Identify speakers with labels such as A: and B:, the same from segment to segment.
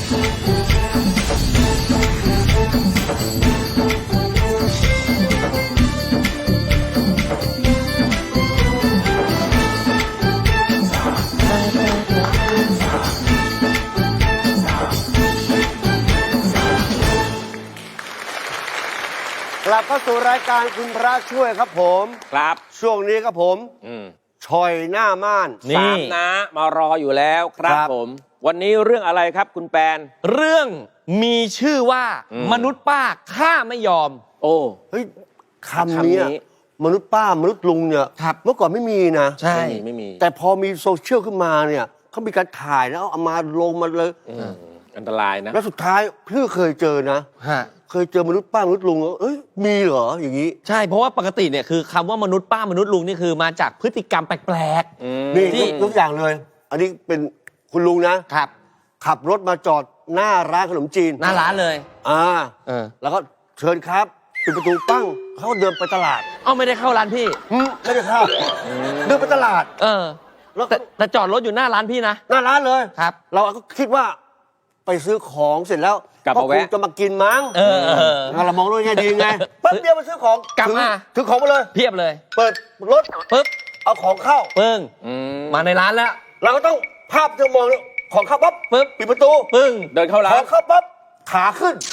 A: กลับเข้าสู่รายการคุณพระช่วยครับผม
B: ครับ
A: ช่วงนี้ครับผมชอยหน้าม่าน
B: สามนะมารออยู่แล้วครับผมวันนี้เรื่องอะไรครับคุณแปน
C: เรื่องมีชื่อว่ามนุษย์ป้าฆ่าไม่ยอม
B: โอ้
A: เฮ้ยคำนี้มนุษย์ป้ามนุษย์ลุงเนี่ยเมื่อก่อนไม่มีนะ
C: ใช่
B: ไม่มี
A: แต่พอมีโซเชียลขึ้นมาเนี่ยเขามีการถ่ายแล้วเอามาลงมาเลย
B: อันตรายนะ
A: แล้วสุดท้ายพี่เคยเจอนะเคยเจอมนุษย์ป้ามนุษย์ลุงเอ้ยมีเหรออย่างนี้
C: ใช่เพราะว่าปกติเนี่ยคือคำว่ามนุษย์ป้ามนุษย์ลุงนี่คือมาจากพฤติกรรมแปลก
A: ๆนี่ยกอย่างเลยอันนี้เป็นคุณลุงนะครับขับรถมาจอดหน้าร้านขนมจีน
C: หน้าร้านเลย
A: แล้วก็เชิญครับปิดประตูปั้งเขาก็เดินไปตลาด
C: ไม่ได้เข้าร้านพี่
A: ไม่ได้เข้าเดินไปตลาด
C: แล้วแต่จอดรถอยู่หน้าร้านพี่นะ
A: หน้าร้านเลย
C: ครับ
A: เราก็คิดว่าไปซื้อของเสร็จแล้ว
B: ก็คง
A: จะมากินมั้งเรามองด้วยไงดีไงปั๊บเดียวมาซื้อของ
C: กลับมา
A: ถือของมาเลย
C: เพียบเลย
A: เปิดรถ
C: ปึ๊บ
A: เอาของเข้า
C: ปึ้งมาในร้านแล้ว
A: เราก็ต้องภาพจะมองของเข้าปั๊บ
C: ปึ๊บ
A: ปิดประตู
C: ปึ้ง
B: เดินเข้าร้าน
A: ของเข้าปั๊บขาขึ้น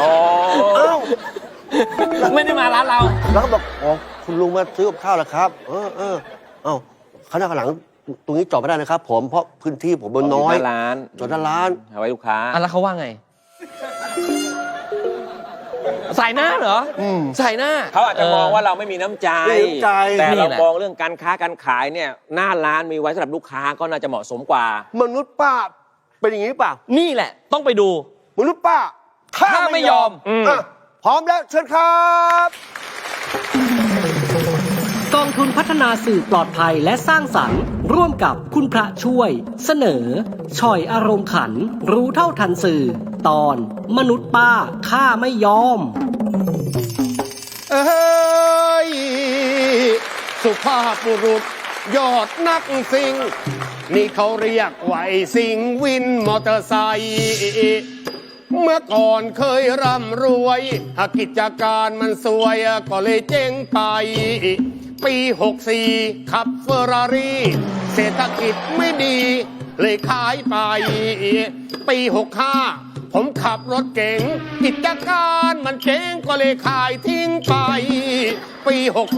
C: ไม่ได้มาร้านเรา
A: แล้วก็บอกอ๋อคุณลุงมาซื้อกับข้าวแล้วครับข้างหน้าข้างหลังตรงนี้จอดไม่ได้นะครับผมเพราะพื้นที่ผมมันน้อยจอดหน้าร้าน
B: เอาไว้ลูกค้า
C: แล้วเขาว่าไงใส่หน้าเหรอใส่หน้า
B: เขาอาจจะมองว่าเราไม่มีน้ำใจแต่เรามองเรื่องการค้าการขายเนี่ยหน้าร้านมีไว้สำหรับลูกค้าก็น่าจะเหมาะสมกว่าม
A: นุษย์ป้าเป็นอย่างนี้ป่ะ
C: นี่แหละต้องไปดู
A: มนุษย์ป้า
C: ถ้าไม่ยอม
A: พร้อมแล้วเชิญครับ
D: กองทุนพัฒนาสื่อปลอดภัยและสร้างสรรค์ร่วมกับคุณพระช่วยเสนอช่อยอารมณ์ขันรู้เท่าทันสื่อตอนมนุษย์ป้าฆ่าไม่ยอม
E: สุภาพบุรุษยอดนักซิ่งนี่เขาเรียกว่าซิ่งวินมอเตอร์ไซค์เมื่อก่อนเคยร่ำรวยกิจการมันสวยก็เลยเจ๊งไปปี64ขับเฟอร์รารี่เศรษฐกิจไม่ดีเลยขายไปปี65ผมขับรถเก๋งกิจการมันเจ๊งก็เลยขายทิ้งไปปี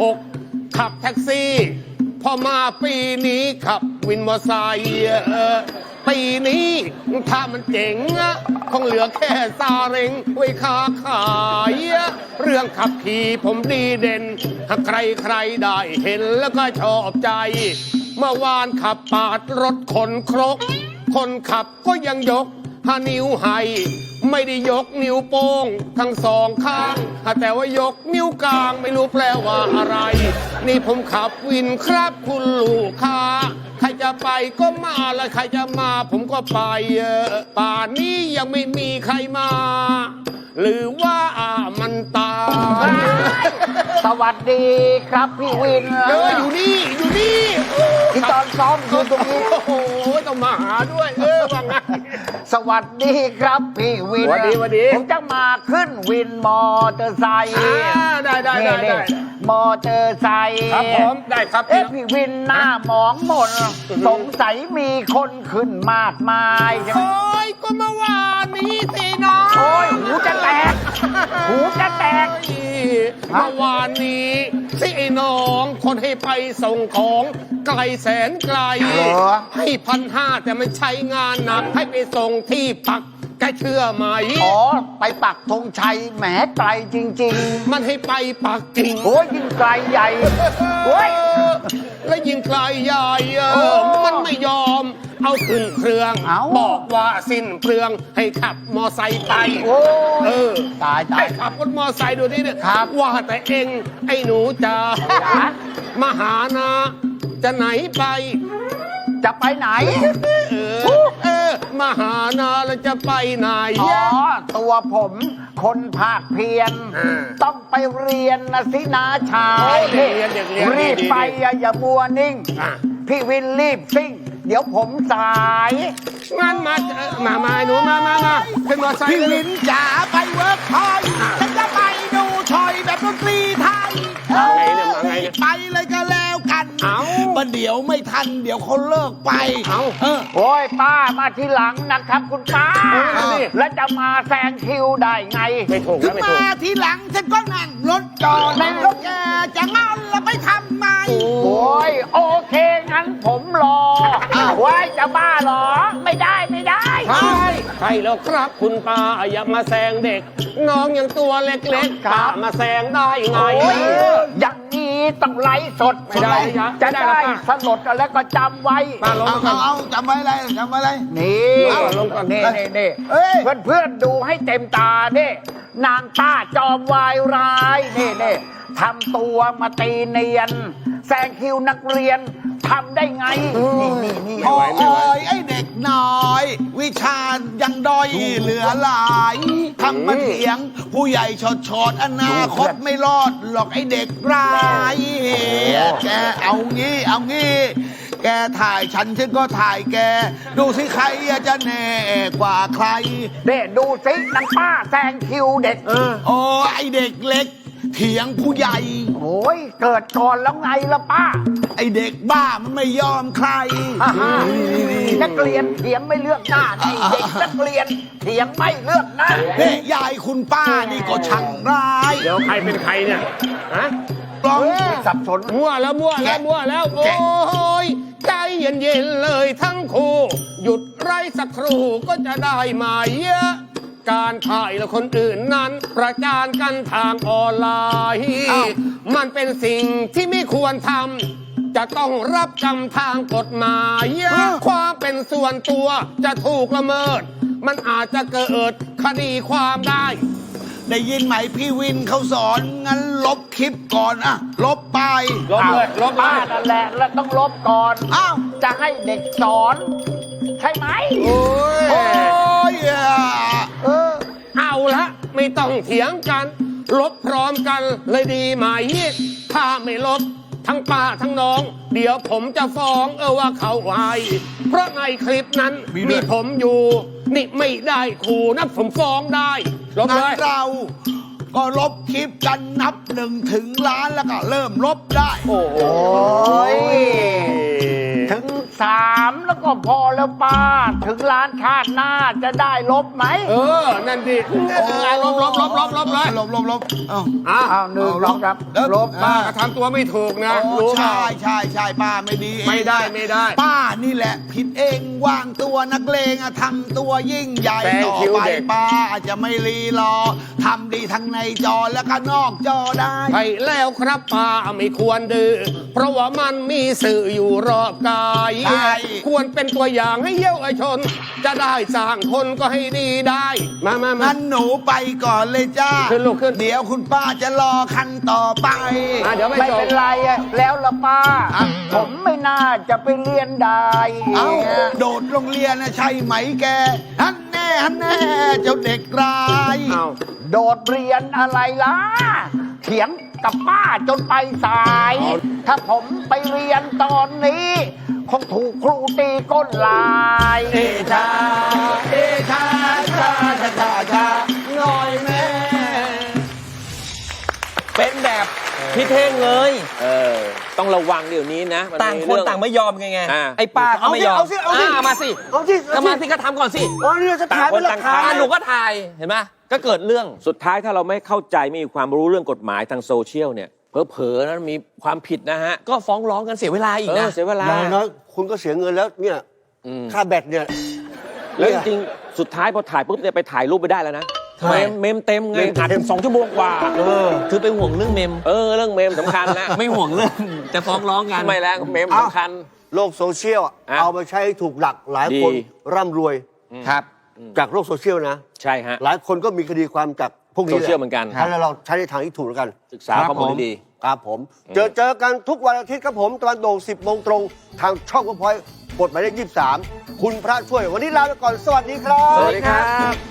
E: 66ขับแท็กซี่พอมาปีนี้ขับวินมอเตอร์ไซค์ปีนี้ถ้ามันเจ๋งคงเหลือแค่ซาเร็งไว้ค้าขายเรื่องขับขี่ผมดีเด่นใครได้เห็นแล้วก็ชอบใจเมื่อวานขับปาดรถคนครกคนขับก็ยังยกนิ้วให้ไม่ได้ยกนิ้วโป้งทั้งสองข้างแต่ว่ายกนิ้วกลางไม่รู้แปลว่าอะไรนี่ผมขับวินครับคุณลูกค้าใครจะไปก็มาแล้วใครจะมาผมก็ไปป่านนี้ยังไม่มีใครมาหรือว่ามันตาย
F: สวัสดีครับพี่วิน
E: อยู่นี่
F: ที่ตอนซ้อมอยู่ตรงนี้
E: โอ้โหต้องมาหาด้วยว่าไง
F: สวัสดีครับพี่วิน
E: สวัสดี
F: ผมจะมาขึ้นวินมอเตอร์ไซค์
E: ได้
F: มอเตอร์ไซค์
E: ครับผมได้ครับ
F: พี่วินหน้าหมองหมดสงสัยมีคนขึ้นมากมาย
E: โอ้ยก็เมื่อวานนี้สิน้อง
F: โอ้ยหูจะแตกเ
E: มื่อวานนี้สิไอ้น้องคนให้ไปส่งของไกลแสนไกลให้1,500แต่ไม่ใช้งานหนักให้ไปส่งที่ปักแกเชื่อไหม
F: ไปปักธงชัยแหมไกลจริง
E: ๆมันให้ไปปักกิ่ง
F: โอ้ยยิ่งไกลใหญ่โอ้ย
E: และยิ่งไกลใหญ่มันไม่ยอมเอาขึ้นเครื่องบอกว่าสิ้นเปลืองให้ขับมอไซค์ไป
F: ตาย
E: ให้ขับรถมอไซค์ดูนี่เนี่ยว่าแต่เองไอ้หนูจ๋ามาหานะจะไหนไป
F: จะไปไหน
E: มาหานาแล้วจะไปไหน
F: ตัวผมคนภาคเพียรต้องไปเรียนนะสินาชายรีบไปอย่ามัวนิ่งพี่วินรีบซิ่งเดี๋ยวผมสาย
E: งั้นมาหนูมาขึ้นมอไซค์
G: พี่
E: เลย
G: วินจ๋าไปเวิร์กพอยต์ฉันจะไปดูชอยแบบดนตรีไทย
E: มาไงเนี่ยมาไงเนี่ย
G: ไปเลยก็แล้วกัน
E: เอ้า
G: ประเดี๋ยวไม่ทันเดี๋ยวเขาเลิกไป
E: เอ้า
F: โอ้ยป้ามาทีหลังนะครับคุณป้า แล้วจะมาแซงคิวได้ไง
E: ไม่ถูก
G: ถึ
E: แล้ว
G: ง
E: ไม่ถู
G: มาก ทีหลังฉันก็นั่งรถจอดแล้วแกจะงอนแล้วไปทำไม
F: โอ้ยโอเคงั้นผมรอไว้จะบ้าเหรอ ไม่ได้
E: ใช่แล้วครับคุณป้าอย่ามาแซงเด็ก น้องยังตัวเล็กๆป้ามาแซงได้ไง
F: โอ้ยอย่างนี้ต้องไลฟ์สด
E: ไม่ได้นะ
F: จะ
E: ไม่ได้
F: ได้
E: นะ
F: สลดแล้วก็จำไว้
E: ป้าลง
G: เอา
E: ก่อน
G: เอาจำไว้เลยจำไว้เลย
F: นี่
E: ลงก่อน
F: นี่
G: เอ้ย
F: เพื่อนดูให้เต็มตาเนี่ยนางป้าจอมวายร้ายนี่ทำตัวมาตีเนียน แซงคิวนักเรียนทำได้ไง นี่
G: โอ้ยไอ้เด็กน้อย วิชายังด้อยเหลือหลายทำมาเถียง ผู้ใหญ่ชดอนาคตไม่รอดหรอกไอ้เด็กร้ายแกเอางี้ แกถ่ายฉันก็ถ่ายแก ดูสิใครจะแน่กว่าใคร
F: เด้ดูสินางป้าแซงคิวเด็ก
G: โอ้ไอเด็กเล็ก เถียงผู้ใหญ่
F: โอ้ยเกิดก่อนแล้วไงล่ะป้า
G: ไอเด็กบ้ามันไม่ยอมใคร
F: นักเรียนเถียงไม่เลือกหน้านี่เด็กนักเรียนเถียงไม่เลือกหน้า
G: นี่ยายคุณป้านี่ก็ช่างร้าย
E: เดี๋ยวใครเป็นใครเนี่ยฮะ
G: ลอง
F: สับสน
E: มั่วแล้วโอ้ยใจเย็นๆเลยทั้งคู่หยุดไร้สักครู่ก็จะได้มาเยอะการถ่ายและคนอื่นนั้น ประจานกันทางออนไลน์มันเป็นสิ่งที่ไม่ควรทำจะต้องรับกรรมทางกฎหมายความเป็นส่วนตัวจะถูกละเมิด มันอาจจะเกิดคดีความได้
G: ได้ยินไหมพี่วินเขาสอนงั้นลบคลิปก่อนอะลบไป
E: ลบเลยลบเล
F: ป้าย นั่นแหละแล้วต้องลบก่อน
G: อ้าว
F: จะให้เด็กสอน ใช่ไหม
G: โอ้ย
E: เอาละไม่ต้องเถียงกัน ลบพร้อมกันเลยดีไหมถ้าไม่ลบทั้งป้าทั้งน้อง เดี๋ยวผมจะฟ้องว่าเขาไว้เพราะในคลิปนั้นมีผมอยู่ นี่ไม่ได้ขู่นะผมฟ้องได้ลบ
G: งั้
E: เล
G: น
E: ย
G: เราก็ลบคลิปกันนับ1 ถึงล้านแล้วก็เริ่มลบได้
E: โอ้โห
F: โอ้ย ถึง 3 แล้วก็พอแล้วป้า ถึงล้านชาติหน้าจะได้ลบไหม
E: นั่นดิลบเลย
G: ลบเอ้า
F: อ้าวหนึ่งสองสามลบ
E: ป้าก็ทำตัวไม่ถูกนะ
G: โอ้
E: รู้เปล่า
G: ใช่ป้าไม่ดีเอง
E: ไม่ได้
G: ป้านี่แหละ ผิดเองวางตัวนักเลงอะทำตัวยิ่งใหญ่
E: แซง
G: ต่อ
E: คิว
G: ไป
E: เด็ก
G: ป้าจะไม่รีรอทำดีทั้งในจอและก็นอกจอได้
E: ใช่แล้วครับป้าไม่ควรดื้อเพราะว่ามันมีสื่ออยู่รอบกาย
G: ใช่
E: ควรเป็นตัวอย่างให้เยาวชน จะได้สร้างคนก็ให้ดีได้ มา
G: งั้นหนูไปก่อนเลยจ้า
E: ขึ้นลูกขึ้น
G: เดี๋ยวคุณป้าจะรอคันต่อไป
E: เดี๋ยวไม่
F: ไม่
E: จ
F: เป็
E: บ
F: นไรอะแล้วละป้า
G: อ่ะ
F: ผมไม่น่าจะไปเรียนได้
G: เอ้าโดดโรงเรียนนะใช่ไหมแกฮันแน่เจ้าเด็กร้าย
E: เอา
F: โดดเรียนอะไรล่ะ เถียงกับป้าจนไปสาย ถ้าผมไปเรียนตอนนี้ คงถูกครูตีก้นลาย
G: ชาน้อยแม่
C: เป็นแบบพี่เท่งเลย
B: ต้องระวังเดี๋ยวนี้นะมั
C: ต่าง
B: มี
C: คน
B: เรื่อง
C: ต่างไม่ยอมไง
B: อ่า
C: ไอ้ป้าก็ไม่ยอม
A: เอาสิ
C: มาสิ
A: เอาสิ
C: ก็มาสิก็ทำก่อนสิ
A: อ๋อนี่เราจะถ่ายเป็นหลักฐา
B: ต่างคนต่างถ่าย
A: น
C: หนูก็ถ่ายเห็นไหมก็เกิดเรื่อง
B: สุดท้ายถ้าเราไม่เข้าใจไม่มีความรู้เรื่องกฎหมายทางโซเชียลเนี่ยเผลอๆนะมีความผิดนะฮะ
C: ก็ฟ้องร้องกันเสียเวลาอีกนะ
B: เสียเวลา
A: อย่างน้อยคุณก็เสียเงินแล้วเนี่ย
B: อืม
A: ค่าแบตเนี่ย
B: แล้วจริงๆสุดท้ายพอถ่ายปุ๊บเนี่ยไปถ่ายรูปไปได้แล้วนะ
C: ทำไม
B: เมมเต็มไง
A: เมมเต็ม
B: อัดถึง2 ชั่วโมงกว่า
C: คือไปห่วงเรื่องเมม
B: เรื่องเมมสำคัญนะ
C: ไม่ห่วงเรื่องจะฟ้องร้องกัน
B: ไม่แล้วเมมสำคัญ
A: โลกโซเชียลอะ
B: อ่ะ
A: เอามาใช้ให้ถูกหลักหลายคน
B: ดี
A: ร่ำรวย
C: ครับ
A: จากโลกโซเชียลนะ
B: ใช่ฮะ
A: หลายคนก็มีคดีความจากพวกนี้
B: โซเชียลเหมือนกัน
A: แล้วเราใช้ในทางที่ถูกแล้วกัน
B: ศึกษาข้อมูลให้ดี
A: ครับผม เจอกันทุกวันอาทิตย์ครับผมตะวันโด่ง10 โมงตรง ทางช่องก็พอยกดหมายเลข23 คุณพระช่วย วันนี้ลาไปก่อน สวัสดีครับ
B: สวัสดีครับ